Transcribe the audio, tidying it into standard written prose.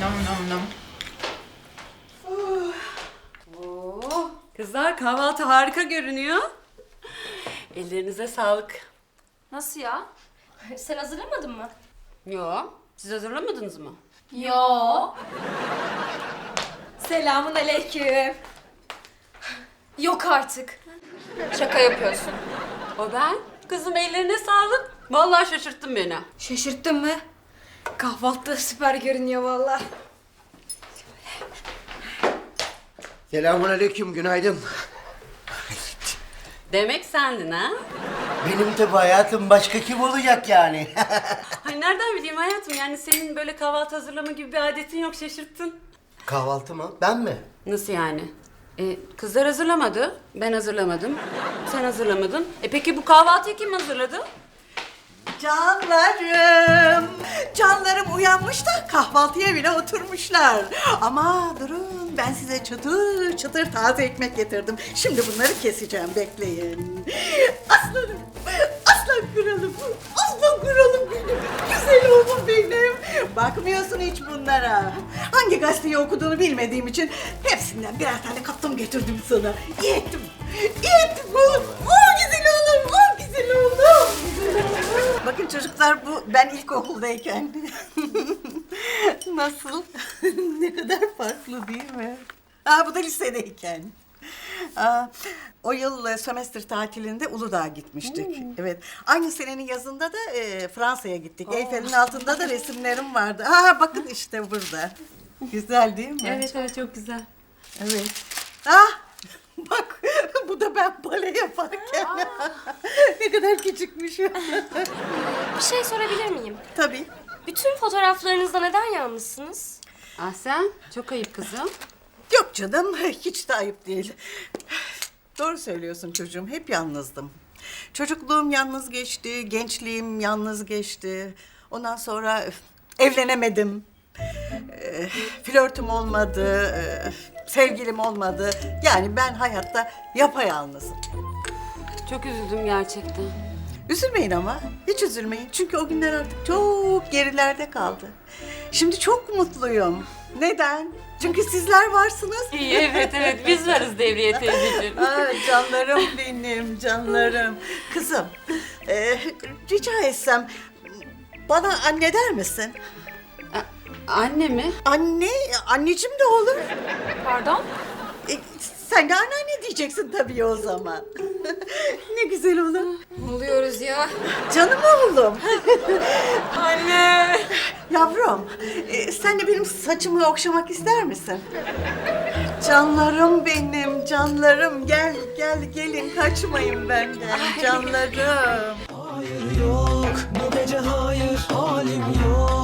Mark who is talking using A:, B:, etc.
A: Nam nam nam.
B: Oo, kızlar kahvaltı harika görünüyor. Ellerinize sağlık.
C: Nasıl ya? Sen hazırlamadın mı?
B: Yo, siz hazırlamadınız mı?
C: Yo. Selamun aleyküm. Yok artık. Şaka yapıyorsun.
B: O ben. Kızım ellerine sağlık. Vallahi şaşırttın beni.
C: Şaşırttın mı? Kahvaltı süper görünüyor vallahi.
D: Selamünaleyküm, günaydın.
B: Demek sendin ha?
D: Benim tabi hayatım, başka kim olacak yani?
B: Ay nereden bileyim hayatım, yani senin böyle kahvaltı hazırlama gibi bir adetin yok, şaşırttın.
D: Kahvaltı mı? Ben mi?
B: Nasıl yani? Kızlar hazırlamadı, ben hazırlamadım, sen hazırlamadın. Peki bu kahvaltıyı kim hazırladı?
E: Canlarım, canlarım uyanmış da kahvaltıya bile oturmuşlar. Ama durun, ben size çıtır çıtır taze ekmek getirdim. Şimdi bunları keseceğim, bekleyin. Aslanım, aslan kralım, aslan kralım benim, güzel oğlum benim. Bakmıyorsun hiç bunlara. Hangi gazeteyi okuduğunu bilmediğim için hepsinden birer tane kaptım getirdim sana. İyi ettim, iyi ettim oğlum. Oh güzel oğlum, oh güzel oğlum. Bakın çocuklar, bu ben ilkokuldayken. Nasıl? Ne kadar farklı değil mi? Bu da lisedeyken. O yıl sömestr tatilinde Uludağ'a gitmiştik. Evet. Aynı senenin yazında da Fransa'ya gittik. Eyfel'in altında da resimlerim vardı. Bakın işte burada. Güzel değil mi?
B: Evet çok güzel.
E: Evet. Bak, bu da ben bale yaparken. Ne kadar küçükmüşüm.
C: Bir şey sorabilir miyim?
E: Tabii.
C: Bütün fotoğraflarınızda neden yalnızsınız?
B: Ah sen, çok ayıp kızım.
E: Yok canım, hiç de ayıp değil. Doğru söylüyorsun çocuğum, hep yalnızdım. Çocukluğum yalnız geçti, gençliğim yalnız geçti. Ondan sonra evlenemedim. Flörtüm olmadı, sevgilim olmadı. Yani ben hayatta yapayalnızım.
B: Çok üzüldüm gerçekten.
E: Üzülmeyin ama, hiç üzülmeyin. Çünkü o günler artık çok gerilerde kaldı. Şimdi çok mutluyum. Neden? Çünkü sizler varsınız.
B: İyi, evet biz varız Devriye teyzeciğim.
E: Canlarım benim, canlarım. Kızım, rica etsem bana anne der misin?
B: Anne mi?
E: Anne, anneciğim de olur.
C: Pardon?
E: Sen de anneanne diyeceksin tabii o zaman. Ne güzel olur.
C: Ne oluyoruz ya?
E: Canım oğlum.
C: Anne!
E: Yavrum, sen de benim saçımı okşamak ister misin? Canlarım benim, canlarım. Gelin kaçmayın benden, canlarım.
F: Hayır yok, bu gece hayır, halim yok.